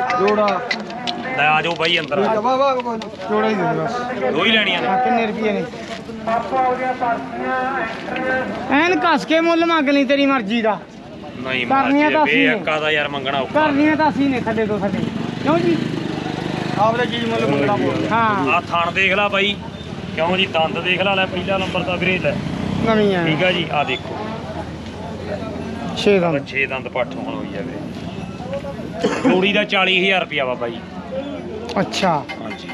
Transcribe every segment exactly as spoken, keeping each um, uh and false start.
जोड़ा ਲੈ ਆ ਜਾਓ ਬਾਈ ਅੰਦਰ जोड़ा ही दे दे बस ਦੋ ਹੀ ਲੈਣੀਆਂ ਨੇ कितने रुपये ने ਐਨ ਕੱਸ ਕੇ ਮੁੱਲ ਮੰਗ ਲਈ ਤੇਰੀ ਮਰਜ਼ੀ ਦਾ ਨਹੀਂ ਕਰਨੀਆਂ ਤਾਂ ਅਸੀਂ ਨੇ। ਬੇਹੱਕਾ ਦਾ ਯਾਰ ਮੰਗਣਾ ਔਖਾ ਕਰਨੀਆਂ ਤਾਂ ਅਸੀਂ ਨੇ ਥੱਲੇ ਤੋਂ ਥੱਲੇ ਕਿਉਂ ਜੀ ਆਪਦਾ ਚੀਜ਼ ਮੁੱਲ ਮੰਗਣਾ ਪਊਗਾ ਹਾਂ ਆ ਥਣ ਦੇਖ ਲੈ ਬਾਈ ਕਿਉਂ ਜੀ ਦੰਦ ਦੇਖ ਲੈ ਲੈ ਪਹਿਲਾ ਨੰਬਰ ਦਾ ਵੀਰੇ ਲੈ ਨਵੀਂ ਆ ਠੀਕ ਆ ਜੀ ਆ ਦੇਖੋ ਛੇ ਦਾ ਛੇ ਦੰਦ ਪੱਠ ਹੁਣ ਹੋਈ ਆ ਵੀਰੇ ਜੋੜੀ ਦਾ ਚਾਲੀ ਹਜ਼ਾਰ ਰੁਪਿਆ ਬਾਬਾ ਜੀ ਅੱਛਾ ਹਾਂਜੀ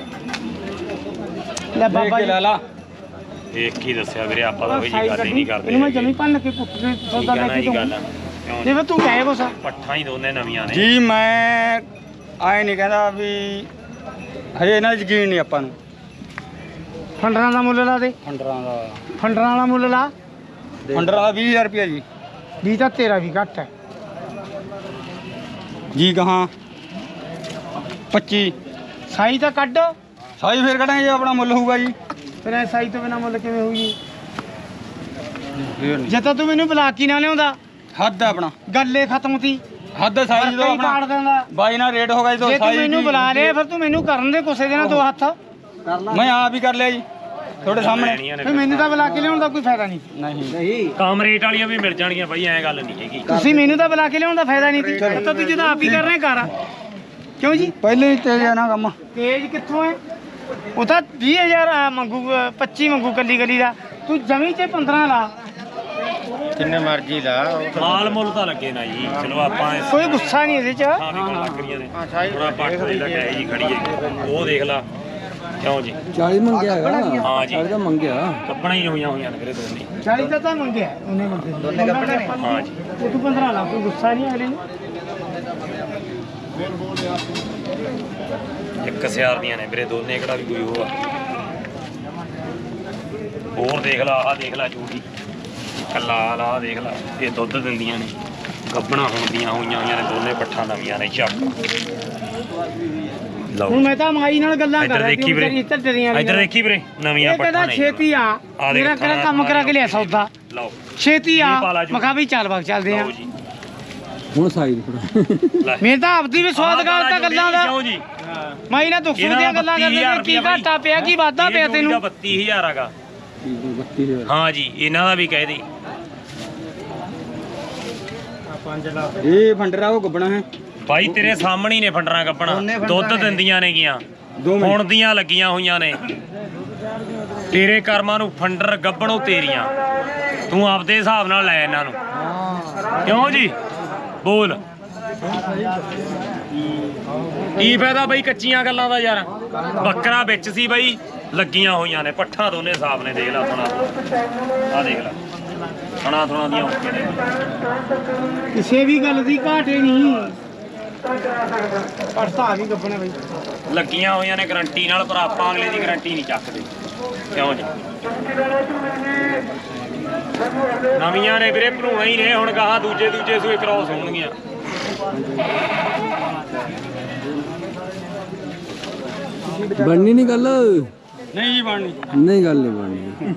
ਲੈ ਬਾਬਾ ਜੀ ਲਾ ਦੇਖ ਕੀ ਦੱਸਿਆ ਵੀਰੇ ਆਪਾਂ ਤਾਂ ਉਹੀ ਜੀ ਗੱਲ ਹੀ ਨਹੀਂ ਕਰਦੇ ਇਹਨੂੰ ਮੈਂ ਜਮੀ ਭੰਨ ਕੇ ਕੁੱਟ ਕੇ ਸੌਦਾ ਲੈ ਕੇ ਗੱਲ ਦਊਂ ਕਿਉਂ ਜਿਵੇਂ ਤੂੰ ਕਹੇ ਕੁਛ ਪੱਠਾਂ ਹੀ ਦੋਨੇ ਨਵੀਆਂ ਨੇ ਜੀ ਮੈਂ ਆਏ ਨਹੀਂ ਕਹਿੰਦਾ ਵੀ ਹਜੇ ਇਹਨਾਂ ਦੀ ਯਕੀਨ ਨਹੀਂ ਆਪਾਂ ਨੂੰ ਫੰਡਰਾਂ ਦਾ ਮੁੱਲ ਲਾ ਦੇ ਫੰਡਰਾਂ ਦਾ ਫੰਡਰਾਂ ਵਾਲਾ ਮੁੱਲ ਲਾ ਫੰਡਰਾਂ ਦਾ ਵੀਹ ਹਜ਼ਾਰ ਰੁਪਇਆ ਜੀ ਵੀ ਤਾਂ ਤੇਰਾ ਵੀ ਘੱਟ ਹੈ ਜੀ ਕਹਾਂ ਪੱਚੀ ਸਾਈ ਤਾਂ ਕੱਢ ਸਾਈ ਫੇਰ ਕਢਾਂਗੇ ਜੇ ਆਪਣਾ ਮੁੱਲ ਹੋਊਗਾ ਜੀ ਫਿਰ ਐ ਸਾਈ ਤੋਂ ਬਿਨਾ ਮੁੱਲ ਕਿਵੇਂ ਹੋਊਗੀ ਜੇ ਤਾਂ ਤੂੰ ਮੈਨੂੰ ਬੁਲਾ ਕੇ ਨਾ ਲਿਆਉਂਦਾ ਹੱਦ ਹੈ ਆਪਣਾ ਗੱਲੇ ਖਤਮ ਸੀ ਹੱਦ ਸਾਈ ਜਦੋਂ ਕਈ ਕਾੜ ਆਪਣਾ ਦਿੰਦਾ ਬਾਈ ਨਾਲ ਰੇਟ ਹੋਗਾ ਜਦੋਂ ਜੇ ਤੂੰ ਸਾਈ ਮੈਨੂੰ ਦੀ- ਬੁਲਾ ਲਿਆ ਫਿਰ ਤੂੰ ਮੈਨੂੰ ਕਰਨ ਦੇ ਗੁੱਸੇ ਦੇ ਨਾਲ ਦੋ ਹੱਥ ਮੈਂ ਆਪ ਹੀ ਕਰ ਲਿਆ ਜੀ ਤੁਹਾਡੇ ਸਾਹਮਣੇ ਲੈਣੀਆਂ ਨੇ ਫਿਰ ਮੈਨੂੰ ਤਾਂ ਬੁਲਾ ਕੇ ਲਿਆਉਣ ਦਾ ਕੋਈ ਫਾਇਦਾ ਨਹੀਂ ਨਹੀਂ ਕਮ ਰੇਟ ਵਾਲੀਆਂ ਵੀ ਮਿਲ ਜਾਣਗੀਆਂ ਬਾਈ ਐਂ ਗੱਲ ਨਹੀਂ ਹੈਗੀ ਤੁਸੀਂ ਮੈਨੂੰ ਤਾਂ ਬੁਲਾ ਕੇ ਲਿਆਉਣ ਦਾ ਫਾਇਦਾ ਨਹੀਂ ਸੀ ਤਾਂ ਤੂੰ ਜਿਹਦਾ ਆਪ ਹੀ ਕਰ ਰਿਹਾ ਕਰ ਕਿਉਂ ਜੀ ਪਹਿਲੇ ਹੀ ਤੇਜ਼ ਆ ਨਾ ਕੰਮ ਤੇਜ ਕਿੱਥੋਂ ਹੈ ਉਹ ਤਾਂ ਵੀਹ ਹਜ਼ਾਰ ਆ ਮੰਗੂ ਪੱਚੀ ਮੰਗੂ ਕੱਲੀ ਕੱਲੀ ਦਾ ਤੂੰ ਜਮੀ ਚ ਪੰਦਰਾਂ ਲਾ ਜਿੰਨੇ ਮਰਜ਼ੀ ਲਾ ਮਾਲ ਮੁੱਲ ਤਾਂ ਲੱਗੇ ਨਾ ਜੀ ਚਲੋ ਆਪਾਂ ਇਸ ਕੋਈ ਗੁੱਸਾ ਨਹੀਂ ਇਹਦੇ ਚ ਹਾਂ ਵੀ ਕੋਲ ਲੱਗ ਰਹੀਆਂ ਨੇ ਥੋੜਾ ਪੱਠ ਦੇ ਲੱਗਿਆ ਜੀ ਖੜੀ ਹੈ ਉਹ ਦੇਖ ਲਾ ਕਿਉਂ ਜੀ ਚਾਲੀ ਮੰਗਿਆ ਹੈਗਾ ਹਾਂ ਜੀ ਤਾਂ ਮੰਗਿਆ ਕੱਪਣਾ ਹੀ ਹੋਈਆਂ ਹੋਈਆਂ ਨੇ ਵੀਰੇ ਦੋਨੇ ਚਾਲੀ ਤਾਂ ਤਾਂ ਮੰਗਿਆ ਉਹਨੇ ਮੰਗੇ ਦੋਨੇ ਕੱਪੜੇ ਨੇ ਹਾਂ ਜੀ ਉਹ ਤੂੰ ਪੰਦਰਾਂ ਲਾ ਕੋਈ ਗੁੱਸਾ ਨਹੀਂ ਅਗਲੇ ਨੂੰ ਇੱਕ ਸਿਆਰ ਦੀਆਂ ਨੇ ਵੀਰੇ ਦੋਨੇ ਕਿਹੜਾ ਵੀ ਕੋਈ ਉਹ ਆ ਹੋਰ ਦੇਖ ਲਾ ਆਹ ਦੇਖ ਲਾ ਜੂੜੀ ਕੱਲਾ ਆਹ ਦੇਖ ਲਾ ਇਹ ਦੁੱਧ ਦਿੰਦੀਆਂ ਨੇ ਗੱਬਣਾ ਹੁੰਦੀਆਂ ਹੋਈਆਂ ਹੋਈਆਂ ਨੇ ਦੋਨੇ ਪੱਠਾਂ ਨਵੀਆਂ ਨੇ ਚੱਕ ਲਓ ਹੁਣ ਮੈਂ ਤਾਂ ਮਾਈ ਨਾਲ ਗੱਲਾਂ ਕਰ ਇੱਧਰ ਰਿਹਾ ਦੇਖੀ ਵੀਰੇ ਇੱਧਰ ਦੇਖੀ ਵੀਰੇ ਨਵੀਆਂ ਇਹ ਕਹਿੰਦਾ ਪੱਠਾਂ ਨੇ ਛੇਤੀ ਆ ਆਹ ਦੇਖ ਮੇਰਾ ਕਿਹੜਾ ਥਾਣਾ ਕੰਮ ਕਰਾ ਕੇ ਲਿਆ ਸੌਦਾ ਲਓ ਛੇਤੀ ਆ ਇਹ ਪਾ ਲਾ ਜੂ। ਮੈਂ ਕਿਹਾ ਵੀ ਚੱਲ ਬਾਗ ਚੱਲਦੇ ਆ ਲਓ ਜੀ ਹੁਣ ਸਾਈ ਥੋੜਾ ਲੈ ਮੇਰੇ ਤਾਂ ਆਪਦੀ ਵੀ ਸਵਾਦ ਗੱਲ ਤਾਂ ਗੱਲਾਂ ਦਾ ਕਿਉਂ ਜੀ ਮਾਈ ਨਾਲ ਦੁੱਖ ਸੁੱਖ ਦੀਆਂ ਗੱਲਾਂ ਕਰਦੇ ਨੇ ਕੀ ਘਾਟਾ ਪਿਆ ਕੀ ਵਾਧਾ ਪਿਆ ਤੈਨੂੰ ਬੱਤੀ ਹਜ਼ਾਰ ਹੈਗਾ ਬੱਤੀ ਹਜ਼ਾਰ ਹਾਂ ਜੀ ਇਹਨਾਂ ਦਾ ਵੀ ਕਹਿ ਦੇ ਇਹ ਫੰਡਰਾ ਉਹ ਗੱਬਣਾ ਹੈ ਭਾਈ ਤੇਰੇ ਸਾਹਮਣੇ ਹੀ ਨੇ ਫੰਡਰਾਂ ਕੱਪਣਾ ਦੁੱਧ ਦਿੰਦੀਆਂ ਨੇ ਗੀਆਂ ਹੁਣ ਦੀਆਂ ਲੱਗੀਆਂ ਹੋਈਆਂ ਨੇ ਤੇਰੇ ਕਰਮਾਂ ਨੂੰ ਫੰਡਰ ਗੱਬਣੋਂ ਤੇਰੀਆਂ ਤੂੰ ਆਪਦੇ ਹਿਸਾਬ ਨਾਲ ਲੈ ਇਹਨਾਂ ਨੂੰ ਕਿਉਂ ਜੀ ਬੋਲ ਕੀ ਫਾਇਦਾ ਬਈ ਕੱਚੀਆਂ ਗੱਲਾਂ ਦਾ ਯਾਰ ਬੱਕਰਾ ਵਿੱਚ ਸੀ ਬਈ ਲੱਗੀਆਂ ਹੋਈਆਂ ਨੇ ਪੱਠਾਂ ਦੋਨੇ ਹਿਸਾਬ ਨੇ ਦੇਖ ਲੈ ਥਣਾ ਆ ਦੇਖ ਲੈ ਥਣਾ ਥਣਾ ਦੀਆਂ ਓਕੇ ਨੇ ਕਿਸੇ ਵੀ ਗੱਲ ਦੀ ਘਾਟੇ ਨਹੀਂ ਪੜਤਾ ਵੀ ਗੱਬਣੇ ਬਈ ਲੱਗੀਆਂ ਹੋਈਆਂ ਨੇ ਗਰੰਟੀ ਨਾਲ ਪਰ ਆਪਾਂ ਅਗਲੇ ਦੀ ਗਰੰਟੀ ਨਹੀਂ ਚੱਕਦੇ ਕਿਉਂ ਜੀ ਨਵੀਆਂ ਨੇ ਵੀਰੇ ਭਰੂਣਾ ਹੀ ਨੇ ਹੁਣ ਗਾਹਾਂ ਦੂਜੇ ਦੂਜੇ ਸੂਏ ਕ੍ਰੋਸ ਹੋਣਗੀਆਂ ਬਣਨੀ ਨਹੀਂ ਗੱਲ ਨਹੀਂ ਜੀ ਬਣਨੀ ਨਹੀਂ ਗੱਲ ਨਹੀਂ ਬਣਨੀ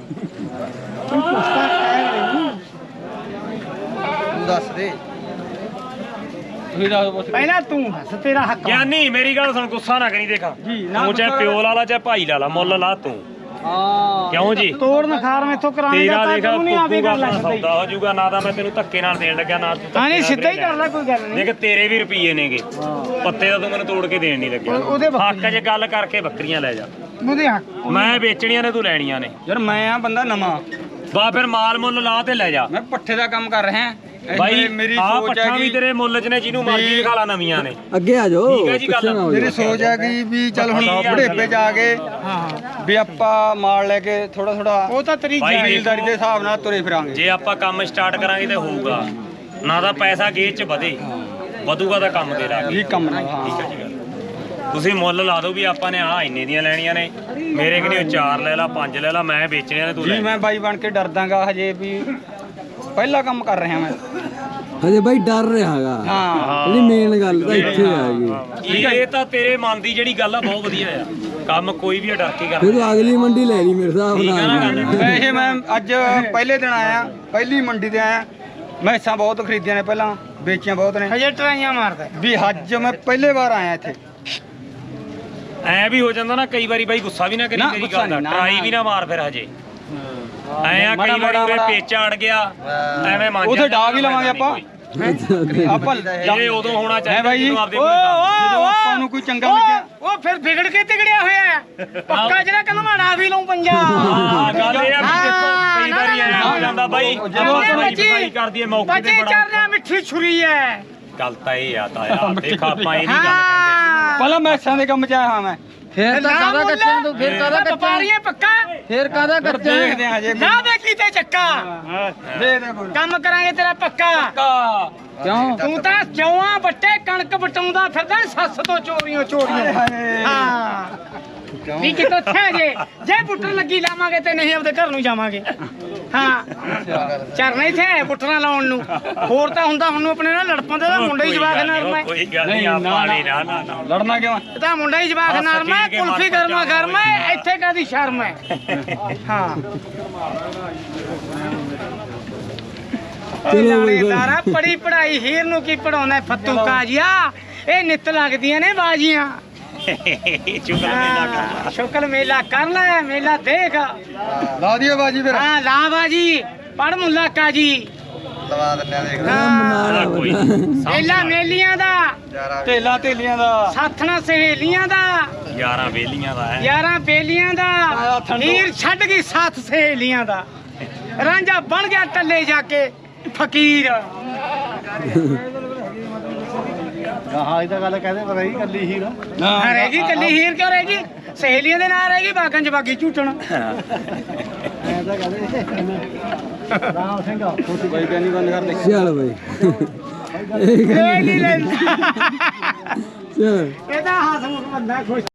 ਤੂੰ ਦੱਸ ਦੇ ਤੁਸੀਂ ਦੱਸ ਪੁੱਛ ਪਹਿਲਾਂ ਤੂੰ ਦੱਸ ਤੇਰਾ ਹੱਕ ਆ। ਗਿਆਨੀ ਮੇਰੀ ਗੱਲ ਸੁਣ ਗੁੱਸਾ ਨਾ ਕਰੀ ਦੇਖਾ ਜੀ, ਨਾ ਤੂੰ ਚਾਹੇ ਪਿਓ ਲਾ ਲਾ ਚਾਹੇ ਭਾਈ ਲਾ ਲਾ ਮੁੱਲ ਲਾ ਤੂੰ ਹਾਂ ਕਿਉਂ ਜੀ ਤੋੜ ਨਖਾਰ ਮੈਥੋਂ ਕਰਾਉਣੀ ਤੇਰਾ ਦਾ ਦੇਖਾ ਤੂੰ ਨਹੀਂ ਆਵੇ ਕਰ ਲੈ ਪੂਰਾ ਸਿੱਧਾ ਹੀ ਸੌਦਾ ਹੋ ਜਾਊਗਾ ਨਾ ਤਾਂ ਮੈਂ ਤੈਨੂੰ ਧੱਕੇ ਨਾਲ ਦੇਣ ਲੱਗਿਆ ਨਾ ਤੂੰ ਹਾਂ ਨਹੀਂ ਧੱਕੇ ਨਾਲ ਸਿੱਧਾ ਹੀ ਕਰ ਲੈ ਕੋਈ ਗੱਲ ਨਹੀਂ ਦੇਖ ਤੇਰੇ ਵੀ ਰੁਪਈਏ ਨੇਗੇ ਪੱਤੇ ਦਾ ਤੂੰ ਮੈਨੂੰ ਤੋੜ ਕੇ ਦੇਣ ਨਹੀਂ ਲੱਗਿਆ ਉਹ- ਉਹਦੇ ਹੱਕ 'ਚ ਗੱਲ ਕਰਕੇ ਬੱਕਰੀਆਂ ਲੈ ਜਾ ਉਹਦੇ ਹੱਕ ਮੈਂ ਵੇਚਣੀਆਂ ਨੇ ਤੂੰ ਲੈਣੀਆਂ ਨੇ ਯਾਰ ਮੈਂ ਆ ਬੰਦਾ ਨਵਾਂ ਬਾ ਫਿਰ ਮਾਲ ਮੁੱਲ ਲਾ ਤੇ ਲੈ ਜਾ ਮੈਂ ਪੱਠੇ ਦਾ ਕੰਮ ਕਰ ਰਿਹਾ ਇਹ ਬਾਈ ਮੇਰੀ- ਮੇਰੀ ਆਹ ਸੋਚ ਪੱਠਾਂ ਹੈ ਵੀ ਕਿ ਤੇਰੇ ਮੁੱਲ 'ਚ ਨੇ ਜਿਹਨੂੰ ਮਰਜ਼ੀ ਦਿਖਾ ਲਾ ਨਵੀਆਂ ਨੇ ਅੱਗੇ ਆ ਜਾਓ ਠੀਕ ਹੈ ਜੀ ਗੱਲ। ਪਿੱਛੇ ਨਾ ਹੋ ਮੇਰੀ ਜਾਓ। ਸੋਚ ਹੈ ਕਿ ਵੀ ਚੱਲ ਹੁਣ ਬੁਢੇਪੇ ਜਾ ਕੇ ਹਾਂ ਵੀ ਆਪਾਂ ਮਾਲ ਲੈ ਕੇ ਥੋੜਾ ਥੋੜਾ ਉਹ ਤਾਂ ਤੇਰੀ ਬਾਈ ਜਾਇਜ਼ ਜ਼ਿੰਦਗੀ ਦੇ ਹਿਸਾਬ ਨਾਲ ਤੁਰੇ ਫਿਰਾਂਗੇ ਜੇ ਆਪਾਂ ਕੰਮ ਸਟਾਰਟ ਕਰਾਂਗੇ ਤੇ ਹੋਊਗਾ ਨਾ ਤਾਂ ਪੈਸਾ ਗੇਜ 'ਚ ਵਧੇ ਵਧੂਗਾ ਤਾਂ ਕੰਮ ਤੇ ਲਾ ਕੇ ਇਹ ਕੰਮ ਨਾਲ ਹਾਂ ਠੀਕ ਹੈ ਜੀ ਗੱਲ ਤੁਸੀਂ ਮੁੱਲ ਲਾ ਦਿਓ ਵੀ ਆਪਾਂ ਨੇ ਆਹ ਇੰਨੇ ਦੀਆਂ ਲੈਣੀਆਂ ਨੇ ਮੇਰੇ ਕਿਨੇ ਚਾਰ ਲੈ ਲਾ ਪੰਜ ਲੈ ਲਾ ਮੈਂ ਵੇਚਣੀਆਂ ਨੇ ਤੂੰ ਜੀ ਲੈ ਮੈਂ ਬਾਈ ਬਣ ਕੇ ਡਰਦਾਗਾ ਹਜੇ ਵੀ ਪਹਿਲਾ ਕੰਮ ਕਰ ਰਿਹਾ ਮੈਂ ਹਜੇ ਬਾਈ ਡਰ ਰਿਹਾ ਹੈਗਾ ਹਾਂ ਇਹਦੀ ਮੇਨ ਗੱਲ ਤਾਂ ਇੱਥੇ ਆ ਗਈ ਇਹ ਤਾਂ ਤੇਰੇ ਮਨ ਦੀ ਜਿਹੜੀ ਗੱਲ ਆ ਬਹੁਤ ਵਧੀਆ ਆ ਕੰਮ ਕੋਈ ਵੀ ਆ ਡਰ ਕੇ ਫਿਰ ਕਰਦਾ ਤੂੰ ਅਗਲੀ ਮੰਡੀ ਲੈ ਲਈ ਮੇਰੇ ਹਿਸਾਬ ਠੀਕ ਆ ਨਾ ਨਾਲ ਗੱਲ ਵੈਸੇ ਮੈਂ ਅੱਜ ਪਹਿਲੇ ਦਿਨ ਆਇਆ ਪਹਿਲੀ ਮੰਡੀ ਤੇ ਆਇਆ ਮੈਸਾਂ ਬਹੁਤ ਖਰੀਦੀਆਂ ਨੇ ਪਹਿਲਾਂ ਵੇਚੀਆਂ ਬਹੁਤ ਨੇ ਹਜੇ ਟਰਾਈਆਂ ਮਾਰਦਾ ਵੀ ਅੱਜ ਮੈਂ ਪਹਿਲੇ ਵਾਰ ਆਇਆ ਇੱਥੇ ਐ ਵੀ ਹੋ ਜਾਂਦਾ ਨਾ ਕਈ ਵਾਰੀ ਬਾਈ ਗੁੱਸਾ ਵੀ ਨਾ ਕਰੀ ਨਾ, ਤੇਰੀ ਗੁੱਸਾ ਗੱਲ ਦਾ ਨਹੀਂ, ਨਾ, ਟਰਾਈ ਨਾ। ਵੀ ਨਾ ਮਾਰ ਫਿਰ ਹਜੇ ਐ ਆ ਮਾੜਾ ਕਈ ਵਾਰੀ ਉਰੇ ਮਾੜਾ ਪੇਚਾ ਅੜ ਗਿਆ ਐਵੇਂ ਮੰਨ ਉੱਥੇ ਡਾ ਵੀ ਲਵਾਂਗੇ ਆਪਾਂ ਆਪਾਂ ਇਹ ਉਦੋਂ ਹੋਣਾ ਹੈ ਚਾਹੀਦਾ ਬਾਈ ਜੀ ਜਦੋਂ ਆਪਦੇ ਓ ਕੋਲ ਓ ਜਦੋਂ ਓ, ਆਪਾਂ ਨੂੰ ਕੋਈ ਚੰਗਾ ਓ, ਲੱਗਿਆ। ਉਹ ਫਿਰ ਵਿਗੜ ਕੇ ਤਿਗੜਿਆ ਹੋਇਆ ਹੈ। ਪੱਕਾ ਜਿਹੜਾ ਕਹਿੰਦਾ ਮੈਂ ਡਾ ਵੀ ਲਊਂ ਪੰਜਾ ਹਾਂ ਗੱਲ ਇਹ ਆ ਵੀ ਦੇਖੋ ਹਾਂ, ਕਈ ਵਾਰੀ ਐ ਹੋ ਜਾਂਦਾ ਬਾਈ ਜਦੋਂ ਆਪਣੇ ਆਪਾਂ ਬੱਚੀ- ਭਾਈ ਕਰਦੀ ਐ ਮੌਕੇ ਤੇ ਬੱਚੇ ਬੜਾ ਚਰਨਾ ਮਿੱਠੀ ਛੁਰੀ ਹੈ ਗੱਲ ਤਾਂ ਇਹ ਆ ਤਾਇਆ ਦੇਖ ਆਪਾਂ ਇਹ ਨਹੀਂ ਗੱਲ ਕਹਿੰਦੇ ਹਾਂ ਪਹਿਲਾਂ ਮੈਸਾਂ ਦੇ ਕੰਮ ਚ ਆਇਆ ਹਾਂ ਮੈਂ ਫੇਰ ਤਾਂ ਕਾਹਦਾ ਕੱਚਾ ਤੂੰ ਫੇਰ ਕਾਹਦਾ ਕੱਚਾ ਵਪਾਰੀਏ ਪੱਕਾ ਫੇਰ ਕਾਹਦਾ ਫਿਰ ਕੱਚਾ ਦੇਖਦੇ ਆ ਹਜੇ ਨਾ ਦੇ ਕੀਤੇ ਚੱਕਾ ਦੇ ਦੇ ਕੋਈ ਕੰਮ ਕਰਾਂਗੇ ਤੇਰਾ ਪੱਕਾ ਕਿਉਂ ਤੂੰ ਤਾਂ ਜੌਆਂ ਬੱਟੇ ਕਣਕ ਬਟਾਉਂਦਾ ਫਿਰਦਾ ਸੱਸ ਤੋਂ ਚੋਰੀਆਂ ਚੋਰੀਆਂ ਹਾਏ। ਹਾਂ ਵੀ ਕਿਤੋਂ ਥੇ ਜੇ ਜੇ ਪੁੱਟਣ ਲੱਗੀ ਲਾਵਾਂਗੇ ਤੇ ਨਹੀਂ ਆਪਦੇ ਘਰ ਨੂੰ ਜਾਵਾਂਗੇ ਹਾਂ ਚਰਨਾ ਹੀ ਥੇ ਪੁੱਟਣਾ ਲਾਉਣ ਨੂੰ ਹੋਰ ਤਾਂ ਹੁੰਦਾ ਹੁਣ ਨੂੰ ਆਪਣੇ ਨਾਲ ਲੜ ਪੰਦੇ ਦਾ ਮੁੰਡਾ ਹੀ ਜਵਾਕ ਨਰਮ ਹੈ ਕੋਈ ਗੱਲ ਨਹੀਂ ਨਹੀਂ, ਨਾ, ਆਪਾਂ ਨਾ। ਨਹੀਂ ਨਾ ਨਾ ਨਾ ਲੜਨਾ ਕਿਉਂ ਇਹ ਤਾਂ ਮੁੰਡਾ ਹੀ ਜਵਾਕ ਬਸ ਨਰਮ ਹੈ ਠੀਕ ਹੈ, ਕੁਲਫੀ ਮਨ ਗਰਮਾ ਪਰਚਾਵਾ ਗਰਮ ਹੈ ਇੱਥੇ ਕਾਦੀ ਸ਼ਰਮ ਹੈ ਹਾਂ ਚਲੋ ਚਲੋ ਬਈ। ਲਾਰਾ ਪੜੀ ਪੜਾਈ ਹੀਰ ਨੂੰ ਕੀ ਪੜਾਉਣਾ ਫੱਤੂ ਕਾਜੀਆ ਇਹ ਨਿੱਤ ਲੱਗਦੀਆਂ ਨੇ ਬਾਜੀਆਂ ਚੁਗਲ ਮੇਲਾ ਕਰ ਹਾਂ, ਸ਼ੁਕਲ ਮੇਲਾ ਕਰ ਲੈ ਮੇਲਾ ਦੇਖ ਲਾ ਦਿਓ ਬਾਜੀ ਫਿਰ ਹਾਂ ਲਾ ਬਾਜੀ ਪੜ ਮੁੱਲਾ ਕਾਜੀ ਲਵਾ ਦਿੰਨੇ ਆ ਦੇਖ ਹਾਂ, ਕੋਈ ਮੇਲਾ ਮੇਲੀਆਂ ਦਾ ਢੇਲਾ ਢੇਲੀਆਂ ਦਾ ਸਾਥਣਾ ਸਹੇਲੀਆਂ ਦਾ ਯਾਰਾਂ ਵੇਲੀਆਂ ਦਾ ਹੈ ਯਾਰਾਂ ਬੇਲੀਆਂ ਦਾ ਆਹ ਠੰਡੋ। ਹੀਰ ਛੱਡ ਗਈ ਸਾਥ ਸਹੇਲੀਆਂ ਦਾ ਰਾਂਝਾ ਬਣ ਗਿਆ ਟੱਲੇ ਜਾ ਕੇ ਫਕੀਰ ਹਾਂ ਇਹ ਤਾਂ ਗੱਲ ਕਹਦੇ ਪਤਾ ਹੀ ਕੱਲੀ ਹੀ ਨਾ ਹਾਂ ਰਹਿ ਗਈ ਕੱਲੀ ਹੀਰ ਕਿਉਂ ਰਹਿ ਗਈ ਸਹੇਲੀਆਂ ਦੇ ਨਾਲ ਰਹਿ ਗਈ ਬਾਗਾਂ ਚ ਬਾਗੀ ਝੂਟਣ ਐ ਤਾਂ ਕਹਦੇ ਰਾਮ ਸਿੰਘ ਛੋਟੀ ਬਾਈ ਕਹਿੰਦੀ ਬੰਦ ਕਰ ਦੇ ਚੱਲ ਬਈ ਇਹ ਨਹੀਂ ਲੈਂਦਾ ਚੱਲ ਇਹਦਾ ਹਸਮੁਖ ਬੰਦਾ ਖੁਸ਼